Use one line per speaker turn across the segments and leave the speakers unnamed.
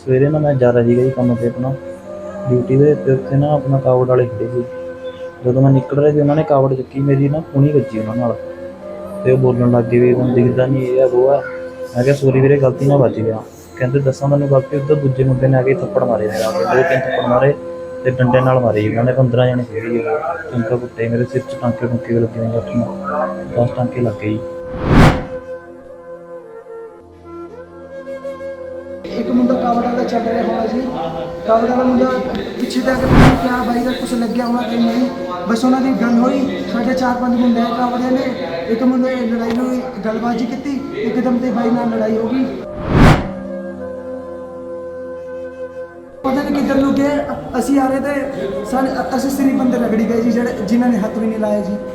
ਸਵੇਰੇ ਨਾ ਮੈਂ ਜਾ ਰਿਹਾ ਸੀਗਾ ਜੀ ਕੰਮ 'ਤੇ ਆਪਣਾ ਡਿਊਟੀ ਦੇ ਅਤੇ ਉੱਥੇ ਨਾ ਆਪਣਾ ਕਾਵੜ ਵਾਲੇ ਖੜ੍ਹੇ ਸੀ। ਜਦੋਂ ਮੈਂ ਨਿਕਲ ਰਿਹਾ ਸੀ ਉਹਨਾਂ ਨੇ ਕਾਵੜ ਚੱਕੀ ਮੇਰੀ ਨਾ ਕੂਹਣੀ ਵੱਜੀ ਉਹਨਾਂ ਨਾਲ ਅਤੇ ਉਹ ਬੋਲਣ ਲੱਗ ਗਏ ਵੀ ਤੁਹਾਨੂੰ ਦਿਖਦਾ ਨਹੀਂ ਇਹ ਆ ਉਹ ਆ। ਮੈਂ ਕਿਹਾ ਸੋਰੀ ਵੀਰੇ ਗਲਤੀ ਨਾਲ ਵੱਜ ਗਿਆ। ਕਹਿੰਦੇ ਦੱਸਾਂ ਮੈਨੂੰ ਗਲਤੀ ਉੱਧਰ ਦੂਜੇ ਮੁੰਡੇ ਨੇ ਆ ਕੇ ਥੱਪੜ ਮਾਰੇ ਮੇਰੇ ਆ ਕੇ 2-3 ਥੱਪੜ ਮਾਰੇ ਅਤੇ ਡੰਡੇ ਨਾਲ ਮਾਰੇ ਜੀ ਉਹਨਾਂ ਨੇ 15 ਜਣੇ ਸੀਗੇ ਜੀ ਉਹ ਟੰਕਾ ਕੁੱਟੇ ਮੇਰੇ ਸਿਰ 'ਚ ਟਾਂਕੇ ਟੂੰਕੇ ਵੀ ਲੱਗੇ ਹੋਏ 8-10 ਟਾਂਕੇ ਲੱਗ ਗਏ ਜੀ।
ਇੱਕ ਮੁੰਡਾ ਕਾਵੜ ਵਾਲਾ ਚੱਲ ਰਿਹਾ ਹੋਣਾ ਜੀ। ਕਾਵੜ ਵਾਲਾ ਮੁੰਡਾ ਪਿੱਛੇ ਜਾ ਕੇ ਪਤਾ ਨਹੀਂ ਕਿਆ ਬਾਈ ਦਾ ਕੁਛ ਲੱਗਿਆ ਹੋਣਾ ਕਿ ਨਹੀਂ, ਬਸ ਉਹਨਾਂ ਦੀ ਗੱਲ ਹੋਈ। ਸਾਡੇ 4-5 ਮੁੰਡੇ ਆਏ ਕਾਵੜਿਆਂ ਨੇ, ਇੱਕ ਮੁੰਡੇ ਲੜਾਈ ਹੋਈ, ਗੱਲਬਾਜੀ ਕੀਤੀ, ਇੱਕਦਮ ਤੇ ਬਾਈ ਨਾਲ ਲੜਾਈ ਹੋ ਗਈ। ਪਤਾ ਨਹੀਂ ਕਿੱਧਰ ਨੂੰ ਗਏ, ਅਸੀਂ ਆ ਰਹੇ ਤੇ ਅਸੀਂ ਸਿਰੀ ਬੰਦੇ ਰਗੜੀ ਗਏ ਜੀ, ਜਿਹੜੇ ਜਿਨ੍ਹਾਂ ਨੇ ਹੱਥ ਵੀ ਨਹੀਂ ਲਾਇਆ ਜੀ।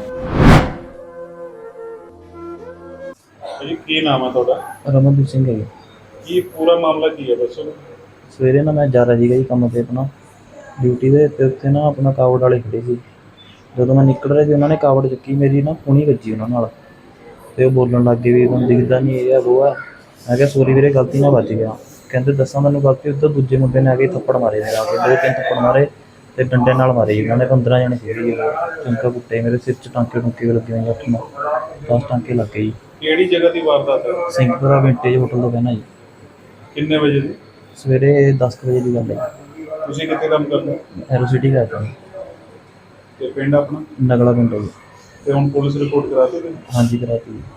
ਜੀ ਕੀ ਨਾਮ ਹੈ ਤੁਹਾਡਾ?
ਰਮਨਦੀਪ ਸਿੰਘ ਹੈ ਜੀ।
ਕੀ ਪੂਰਾ ਮਾਮਲਾ ਕੀ ਹੈ ਦੱਸੋ?
ਸਵੇਰੇ ਨਾ ਮੈਂ ਜਾ ਰਿਹਾ ਸੀਗਾ ਜੀ ਕੰਮ 'ਤੇ ਆਪਣਾ ਡਿਊਟੀ ਦੇ ਅਤੇ ਉੱਥੇ ਨਾ ਆਪਣਾ ਕਾਵੜ ਵਾਲੇ ਖੜ੍ਹੇ ਸੀ। ਜਦੋਂ ਮੈਂ ਨਿਕਲ ਰਿਹਾ ਸੀ ਉਹਨਾਂ ਨੇ ਕਾਵੜ ਚੱਕੀ ਮੇਰੀ ਨਾ ਕੂਹਣੀ ਵੱਜੀ ਉਹਨਾਂ ਨਾਲ ਅਤੇ ਉਹ ਬੋਲਣ ਲੱਗ ਗਏ ਵੀ ਤੁਹਾਨੂੰ ਦਿਖਦਾ ਨਹੀਂ ਇਹ ਆ ਉਹ ਆ। ਮੈਂ ਕਿਹਾ ਸੋਰੀ ਵੀਰੇ ਗਲਤੀ ਨਾਲ ਵੱਜ ਗਿਆ। ਕਹਿੰਦੇ ਦੱਸਾਂ ਮੈਨੂੰ ਗਲਤੀ ਉੱਧਰ ਦੂਜੇ ਮੁੰਡੇ ਨੇ ਆ ਕੇ ਥੱਪੜ ਮਾਰੇ ਮੇਰੇ ਆ ਕੇ 2-3 ਥੱਪੜ ਮਾਰੇ ਅਤੇ ਡੰਡੇ ਨਾਲ ਮਾਰੇ ਜੀ ਉਹਨਾਂ ਨੇ 15 ਜਣੇ ਸੀਗੇ ਜੀ ਉਹ ਟੰਕਾ ਕੁੱਟੇ ਮੇਰੇ ਸਿਰ 'ਚ ਟਾਂਕੇ ਟੂੰਕੇ ਵੀ ਲੱਗੇ ਹੋਏ 8-10 ਟਾਂਕੇ ਲੱਗ ਗਏ ਜੀ।
ਕਿਹੜੀ ਜਗ੍ਹਾ ਦੀ ਵਾਰਦਾਤ ਹੈ?
ਸਿੰਘਪੁਰਾ ਵਿੰਟੇਜ ਹੋਟਲ ਤੋਂ ਕਹਿਣਾ ਜੀ।
ਕਿੰਨੇ ਵਜੇ ਦੀ?
ਸਵੇਰੇ 10 ਵਜੇ ਦੀ ਗੱਲ ਹੈ।
ਤੁਸੀਂ ਕਿੱਥੇ ਕੰਮ ਕਰਦੇ ਹੋ?
ਐਰੋ ਸਿਟੀ ਕਰਦਾ
ਤੇ ਪਿੰਡ ਆਪਣਾ?
ਨਗਲਾ ਪਿੰਡ ਹੈ ਜੀ।
ਤੇ ਹੁਣ ਪੁਲਿਸ ਰਿਪੋਰਟ ਕਰਾ ਦਿੱਤੀ?
ਹਾਂਜੀ ਕਰਾਤੀ ਜੀ।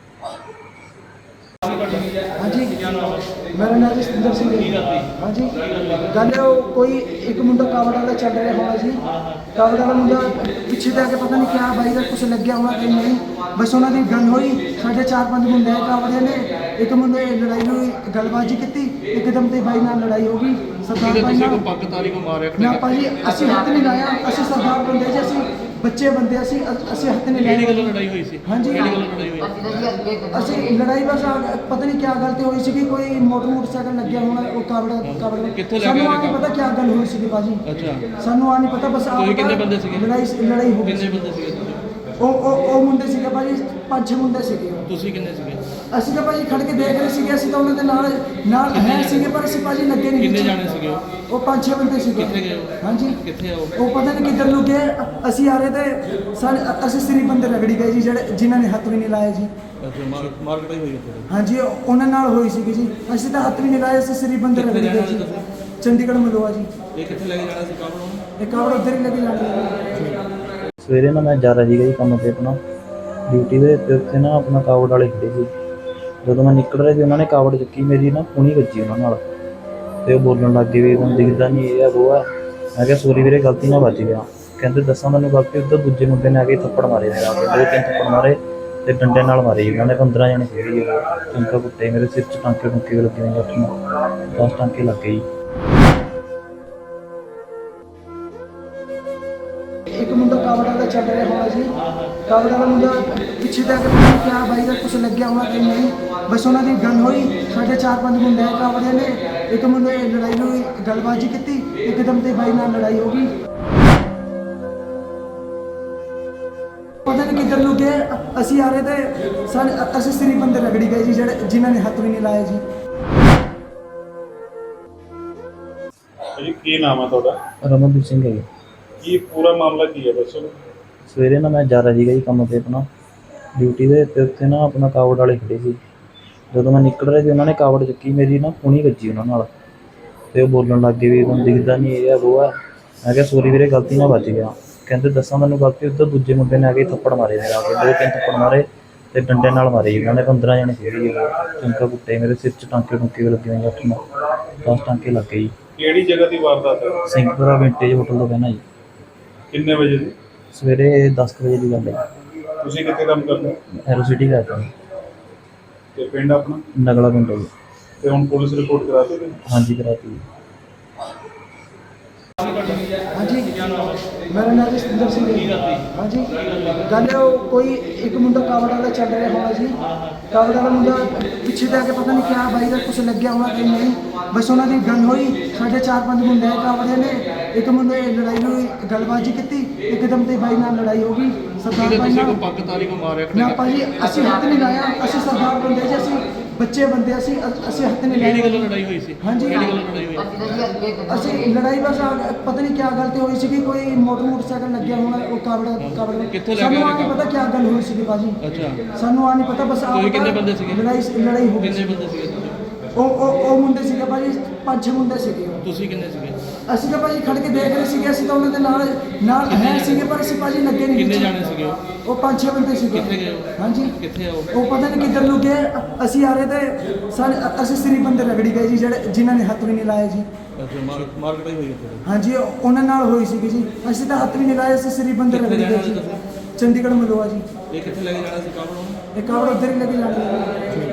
ਹਾਂਜੀ ਮੇਰਾ ਨਾਮ ਜੀ ਸਤਿੰਦਰ ਸਿੰਘ ਹੈ। ਹਾਂਜੀ ਗੱਲ ਉਹ ਕੋਈ ਇੱਕ ਮੁੰਡਾ ਕਾਵੜ ਵਾਲਾ ਚੱਲ ਰਿਹਾ ਹੋਣਾ ਜੀ। ਕਾਵੜ ਵਾਲਾ ਮੁੰਡਾ ਪਿੱਛੇ ਜਾ ਕੇ ਪਤਾ ਨਹੀਂ ਕਿਆ ਬਾਈ ਦਾ ਕੁਛ ਲੱਗਿਆ ਹੋਣਾ ਕਿ ਨਹੀਂ, ਬਸ ਉਹਨਾਂ ਦੀ ਗੱਲ ਹੋਈ। ਸਾਡੇ 4-5 ਮੁੰਡੇ ਆਏ ਕਾਵੜਿਆਂ ਨੇ, ਇੱਕ ਮੁੰਡੇ ਲੜਾਈ ਹੋਈ, ਗੱਲਬਾਜੀ ਕੀਤੀ, ਇੱਕਦਮ ਤੇ ਬਾਈ ਨਾਲ ਲੜਾਈ ਹੋ ਗਈ। ਸਰਦਾਰ ਬਾਈ ਨਾਲ ਪੱਗ ਤਾਰੀ ਕੋ ਮਾਰਿਆ ਨਾ ਭਾਜੀ, ਅਸੀਂ ਹੱਥ ਨਹੀਂ ਲਾਇਆ। ਅਸੀਂ ਸਰਦਾਰ ਬੰਦੇ ਜੀ, ਅਸੀਂ ਬੱਚੇ ਬੰਦੇ, ਅਸੀਂ ਹੱਥ ਨਹੀਂ ਲਾਇਆ।
ਕਿਹੜੀ ਗੱਲੋਂ ਲੜਾਈ ਹੋਈ ਸੀ?
ਹਾਂਜੀ
ਕਿਹੜੀ ਗੱਲੋਂ ਲੜਾਈ ਹੋਈ?
ਅਸੀਂ ਲੜਾਈ ਬਸ ਪਤਾ ਨਹੀਂ ਕਿਆ ਗੱਲ ਤੇ ਹੋਈ ਸੀਗੀ, ਕੋਈ ਮੋਟਰਸਾਈਕਲ ਲੱਗਿਆ ਹੋਣਾ ਉਹ ਕਾਵੜ
ਕਿੱਥੋਂ ਲੈ ਕੇ
ਸਾਨੂੰ
ਆਏ
ਆ ਨਹੀਂ ਪਤਾ ਕਿਆ ਗੱਲ ਹੋਈ ਸੀਗੀ ਭਾਜੀ।
ਅੱਛਾ,
ਸਾਨੂੰ ਆ ਨਹੀਂ ਪਤਾ, ਬਸ
ਤੁਸੀਂ ਕਿੰਨੇ ਬੰਦੇ ਸੀਗੇ?
ਲੜਾਈ ਹੋ ਗਈ
ਕਿੰਨੇ
ਸੀ।
ਬੰਦੇ ਸੀਗੇ ਤੁਸੀਂ?
ਉਹ ਮੁੰਡੇ ਸੀਗੇ ਭਾਜੀ, 5-6 ਮੁੰਡੇ ਸੀਗੇ।
ਤੁਸੀਂ ਕਿੰਨੇ ਸੀਗੇ?
ਅਸੀਂ ਤਾਂ ਭਾਜੀ ਖੜ ਕੇ ਦੇਖ ਰਹੇ ਸੀਗੇ, ਅਸੀਂ ਤਾਂ ਉਹਨਾਂ ਦੇ ਨਾਲ ਹੈ ਸੀਗੇ, ਪਰ ਅਸੀਂ ਭਾਜੀ ਲੱਗੇ ਨਹੀਂ।
ਕਿੰਨੇ ਜਾਣੇ ਸੀਗੇ ਉਹ?
ਉਹ 5-6 ਬੰਦੇ ਸੀਗੇ।
ਕਿੱਥੇ ਗਏ ਉਹ?
ਹਾਂਜੀ
ਕਿੱਥੇ ਆ ਉਹ?
ਉਹ ਪਤਾ ਨਹੀਂ ਕਿੱਧਰ ਨੂੰ ਗਏ, ਅਸੀਂ ਆ ਰਹੇ ਤੇ ਅਸੀਂ ਸਿਰੀ ਬੰਦੇ ਰਗੜੀ ਗਏ ਜੀ, ਜਿਹੜੇ ਜਿਨ੍ਹਾਂ ਨੇ ਹੱਥ ਵੀ ਨਹੀਂ ਲਾਇਆ ਜੀ।
ਅੱਛਾ, ਮਾਰਕੀਟ ਹੋਈ ਉੱਥੇ?
ਹਾਂਜੀ ਉਹਨਾਂ ਨਾਲ ਹੋਈ ਸੀਗੀ ਜੀ। ਅਸੀਂ ਤਾਂ ਹੱਥ ਵੀ ਨਹੀਂ ਲਾਏ, ਅਸੀਂ ਸਿਰੀ ਬੰਦੇ ਰਗੜੀ ਗਏ ਜੀ। ਚੰਡੀਗੜ੍ਹ ਮਲੋਆ ਜੀ।
ਇਹ ਕਿੱਥੇ ਲੈ ਕੇ ਜਾਣਾ ਸੀ ਕਾਬਲ ਨੂੰ?
ਇਹ ਕਾਵੜ ਉੱਧਰ ਹੀ ਲੱਗੇ ਜਾਂਦੇ।
ਸਵੇਰੇ ਨਾ ਮੈਂ ਜਾ ਰਿਹਾ ਸੀਗਾ ਜੀ ਕੰਮ 'ਤੇ ਆਪਣਾ ਡਿਊਟੀ ਦੇ ਅਤੇ ਉੱਥੇ ਨਾ ਆਪਣਾ ਕਾਵੜ ਵਾਲੇ ਖੜ੍ਹੇ ਸੀ। ਜਦੋਂ ਮੈਂ ਨਿਕਲ ਰਿਹਾ ਸੀ ਉਹਨਾਂ ਨੇ ਕਾਵੜ ਚੱਕੀ ਮੇਰੀ ਨਾ ਕੂਹਣੀ ਵੱਜੀ ਉਹਨਾਂ ਨਾਲ ਅਤੇ ਉਹ ਬੋਲਣ ਲੱਗ ਗਏ ਵੀ ਤੁਹਾਨੂੰ ਦਿਖਦਾ ਨਹੀਂ ਇਹ ਆ ਉਹ ਆ। ਮੈਂ ਕਿਹਾ ਸੋਰੀ ਵੀਰੇ ਗਲਤੀ ਨਾਲ ਵੱਜ ਗਿਆ। ਕਹਿੰਦੇ ਦੱਸਾਂ ਮੈਨੂੰ ਗਲਤੀ ਉੱਧਰ ਦੂਜੇ ਮੁੰਡੇ ਨੇ ਆ ਕੇ ਥੱਪੜ ਮਾਰੇ ਮੇਰੇ ਆ ਕੇ 2-3 ਥੱਪੜ ਮਾਰੇ ਅਤੇ ਡੰਡੇ ਨਾਲ ਮਾਰੇ ਜੀ ਉਹਨਾਂ ਨੇ 15 ਜਣੇ ਸੀਗੇ ਜੀ ਉਹ ਟੰਕਾ ਕੁੱਟੇ ਮੇਰੇ ਸਿਰ 'ਚ ਟਾਂਕੇ ਟੂੰਕੇ ਵੀ ਲੱਗੇ ਹੋਏ 8-10 ਟਾਂਕੇ ਲੱਗ ਗਏ ਜੀ।
ਇੱਕ ਮੁੰਡਾ ਕਾਵੜ ਵਾਲਾ ਚੱਲ ਰਿਹਾ ਹੋਣਾ ਜੀ। ਕਾਵੜ ਵਾਲਾ ਮੁੰਡਾ ਪਿੱਛੇ ਜਾ ਕੇ ਪਤਾ ਨਹੀਂ ਕਿਆ ਬਾਈ ਦਾ ਕੁਛ ਲੱਗਿਆ ਹੋਣਾ ਕਿ ਨਹੀਂ, ਬਸ ਉਹਨਾਂ ਦੀ ਗੱਲ ਹੋਈ। ਸਾਡੇ 4-5 ਮੁੰਡੇ ਆਏ ਕਾਵੜਿਆਂ ਨੇ, ਇੱਕ ਮੁੰਡੇ ਲੜਾਈ ਹੋਈ, ਗੱਲਬਾਜੀ ਕੀਤੀ, ਇੱਕਦਮ ਤੇ ਬਾਈ ਨਾਲ ਲੜਾਈ ਹੋ ਗਈ। ਪਤਾ ਨਹੀਂ ਕਿੱਧਰ ਨੂੰ ਗਏ, ਅਸੀਂ ਆ ਰਹੇ ਤੇ ਅਸੀਂ ਸਿਰੀ ਬੰਦੇ ਰਗੜੀ ਗਏ ਜੀ, ਜਿਹੜੇ ਜਿਨ੍ਹਾਂ ਨੇ ਹੱਥ ਵੀ ਨਹੀਂ ਲਾਇਆ ਜੀ।
ਜੀ ਕੀ ਨਾਮ ਹੈ ਤੁਹਾਡਾ?
ਰਮਨਦੀਪ ਸਿੰਘ ਹੈ ਜੀ।
ਕੀ ਪੂਰਾ ਮਾਮਲਾ ਕੀ ਹੈ ਦੱਸੋ?
ਸਵੇਰੇ ਨਾ ਮੈਂ ਜਾ ਰਿਹਾ ਸੀਗਾ ਜੀ ਕੰਮ 'ਤੇ ਆਪਣਾ ਡਿਊਟੀ ਦੇ ਅਤੇ ਉੱਥੇ ਨਾ ਆਪਣਾ ਕਾਵੜ ਵਾਲੇ ਖੜ੍ਹੇ ਸੀ। ਜਦੋਂ ਮੈਂ ਨਿਕਲ ਰਿਹਾ ਸੀ ਉਹਨਾਂ ਨੇ ਕਾਵੜ ਚੱਕੀ ਮੇਰੀ ਨਾ ਕੂਹਣੀ ਵੱਜੀ ਉਹਨਾਂ ਨਾਲ ਅਤੇ ਉਹ ਬੋਲਣ ਲੱਗ ਗਏ ਵੀ ਤੁਹਾਨੂੰ ਦਿਖਦਾ ਨਹੀਂ ਇਹ ਆ ਉਹ ਆ। ਮੈਂ ਕਿਹਾ ਸੋਰੀ ਵੀਰੇ ਗਲਤੀ ਨਾਲ ਵੱਜ ਗਿਆ। ਕਹਿੰਦੇ ਦੱਸਾਂ ਮੈਨੂੰ ਗਲਤੀ ਉੱਧਰ ਦੂਜੇ ਮੁੰਡੇ ਨੇ ਆ ਕੇ ਥੱਪੜ ਮਾਰੇ ਮੇਰੇ ਆ ਕੇ 2-3 ਥੱਪੜ ਮਾਰੇ ਅਤੇ ਡੰਡੇ ਨਾਲ ਮਾਰੇ ਜੀ ਉਹਨਾਂ ਨੇ 15 ਜਣੇ ਸੀਗੇ ਜੀ ਉਹ ਟੰਕਾ ਕੁੱਟੇ ਮੇਰੇ ਸਿਰ 'ਚ ਟਾਂਕੇ ਟੂੰਕੇ ਵੀ ਲੱਗੇ ਹੋਏ 8-10 ਟਾਂਕੇ ਲੱਗ ਗਏ ਜੀ।
ਕਿਹੜੀ ਜਗ੍ਹਾ ਦੀ ਵਾਰਦਾਤ ਹੈ?
ਸਿੰਘਪੁਰਾ ਵਿੰਟੇਜ ਹੋਟਲ ਤੋਂ ਕਹਿਣਾ ਜੀ।
ਕਿੰਨੇ ਵਜੇ ਦੀ?
ਸਵੇਰੇ 10 ਵਜੇ ਦੀ ਗੱਲ ਹੈ।
ਤੁਸੀਂ ਕਿੱਥੇ ਕੰਮ ਕਰਦੇ ਹੋ?
ਐਰੋ ਸਿਟੀ ਕਰਦਾ
ਤੇ ਪਿੰਡ ਆਪਣਾ?
ਨਗਲਾ ਪਿੰਡ ਹੈ ਜੀ।
ਤੇ ਹੁਣ ਪੁਲਿਸ ਰਿਪੋਰਟ ਕਰਾ ਦਿੱਤੀ?
ਹਾਂਜੀ ਕਰਾਤੀ ਜੀ।
ਹਾਂਜੀ ਮੇਰਾ ਨਾਮ ਜੀ ਸਤਿੰਦਰ ਸਿੰਘ ਹੈ। ਹਾਂਜੀ ਗੱਲ ਉਹ ਕੋਈ ਇੱਕ ਮੁੰਡਾ ਕਾਵੜ ਵਾਲਾ ਚੱਲ ਰਿਹਾ ਹੋਣਾ ਜੀ। ਕਾਵੜ ਵਾਲਾ ਮੁੰਡਾ ਪਿੱਛੇ ਜਾ ਕੇ ਪਤਾ ਨਹੀਂ ਕਿਆ ਬਾਈ ਦਾ ਕੁਛ ਲੱਗਿਆ ਹੋਣਾ ਕਿ ਨਹੀਂ, ਬਸ ਉਹਨਾਂ ਦੀ ਗੱਲ ਹੋਈ। ਸਾਡੇ 4-5 ਮੁੰਡੇ ਆਏ ਕਾਵੜਿਆਂ ਨੇ, ਇੱਕ ਮੁੰਡੇ ਲੜਾਈ ਹੋਈ, ਗੱਲਬਾਜੀ ਕੀਤੀ, ਇੱਕਦਮ ਤੇ ਬਾਈ ਨਾਲ ਲੜਾਈ ਹੋ ਗਈ। ਸਰਦਾਰ ਬਾਈ ਨਾਲ
ਪੱਗ ਤਾਰੀ ਕੋ ਮਾਰਿਆ
ਨਾ ਭਾਜੀ, ਅਸੀਂ ਹੱਥ ਨਹੀਂ ਲਾਇਆ। ਅਸੀਂ ਸਰਦਾਰ ਬੰਦੇ ਜੀ, ਅਸੀਂ ਬੱਚੇ ਬੰਦੇ ਅਸੀਂ ਹੱਥ ਨਹੀਂ
ਕਿਹੜੀ ਗੱਲੋਂ
ਲਾਏ।
ਲੜਾਈ ਹੋਈ ਸੀ?
ਹਾਂਜੀ।
ਕਿਹੜੀ ਗੱਲੋਂ ਲੜਾਈ ਹੋਈ?
ਅਸੀਂ ਲੜਾਈ ਬਸ ਪਤਾ ਨਹੀਂ ਕਿਆ ਗਲਤੀ ਹੋਈ ਸੀਗੀ, ਕੋਈ ਮੋਟਰਸਾਈਕਲ ਲੱਗਿਆ ਹੋਣਾ, ਉਹ ਕਾਵੜ
ਕਿੱਥੋਂ ਲੈ ਕੇ
ਸਾਨੂੰ
ਆਏ
ਆ ਨਹੀਂ ਪਤਾ ਕਿਆ ਗੱਲ ਹੋਈ ਸੀਗੀ ਭਾਜੀ,
ਅੱਛਾ,
ਸਾਨੂੰ ਆ ਨਹੀਂ ਪਤਾ ਬਸ ਆ
ਤੁਸੀਂ
ਪਤਾ
ਕਿੰਨੇ ਬੰਦੇ ਸੀਗੇ?
ਲੜਾਈ ਹੋ ਗਈ
ਕਿੰਨੇ
ਸੀ।
ਬੰਦੇ ਸੀਗੇ ਤੁਸੀਂ?
ਉਹ ਮੁੰਡੇ ਸੀਗੇ ਭਾਜੀ, 5-6 ਮੁੰਡੇ ਸੀਗੇ।
ਤੁਸੀਂ ਕਿੰਨੇ ਸੀਗੇ?
ਅਸੀਂ ਤਾਂ ਭਾਜੀ ਖੜ ਕੇ ਦੇਖ ਰਹੇ ਸੀਗੇ, ਅਸੀਂ ਤਾਂ ਉਹਨਾਂ ਦੇ ਨਾਲ ਹੈ ਸੀਗੇ, ਪਰ ਅਸੀਂ ਭਾਜੀ ਲੱਗੇ ਨਹੀਂ
ਕਿੰਨੇ
ਵਿੱਚ।
ਜਾਣੇ ਸੀਗੇ ਉਹ?
ਉਹ 5-6 ਬੰਦੇ ਸੀਗੇ।
ਕਿੱਥੇ ਗਏ ਉਹ?
ਹਾਂਜੀ,
ਕਿੱਥੇ ਆ ਉਹ?
ਉਹ ਪਤਾ ਨਹੀਂ ਕਿੱਧਰ ਨੂੰ ਗਏ। ਅਸੀਂ ਆ ਰਹੇ ਤੇ ਅਸੀਂ ਸਿਰੀ ਬੰਦੇ ਰਗੜੀ ਗਏ ਜੀ, ਜਿਹੜੇ ਜਿਨ੍ਹਾਂ ਨੇ ਹੱਥ ਵੀ ਨਹੀਂ ਲਾਇਆ ਜੀ।
ਅੱਛਾ, ਮਾਰ ਕਟਾਈ ਹੋਈ ਉੱਥੇ?
ਹਾਂਜੀ, ਉਹਨਾਂ ਨਾਲ ਹੋਈ ਸੀਗੀ ਜੀ, ਅਸੀਂ ਤਾਂ ਹੱਥ ਵੀ ਨਹੀਂ ਲਾਏ, ਅਸੀਂ ਸਿਰੀ ਬੰਦੇ
ਕਿੱਥੇ
ਰਗੜੀ ਗਏ
ਰਹਿਣਾ
ਜੀ।
ਸੀ ਤੁਸੀਂ?
ਚੰਡੀਗੜ੍ਹ ਮਲੋਆ ਜੀ।
ਇਹ ਕਿੱਥੇ ਲੈ ਕੇ ਜਾਣਾ ਸੀ ਕਾਬਲ ਨੂੰ?
ਇਹ ਕਾਵੜ ਉੱਧਰ ਹੀ ਲੈ ਕੇ ਜਾਣੀ ਹੈ।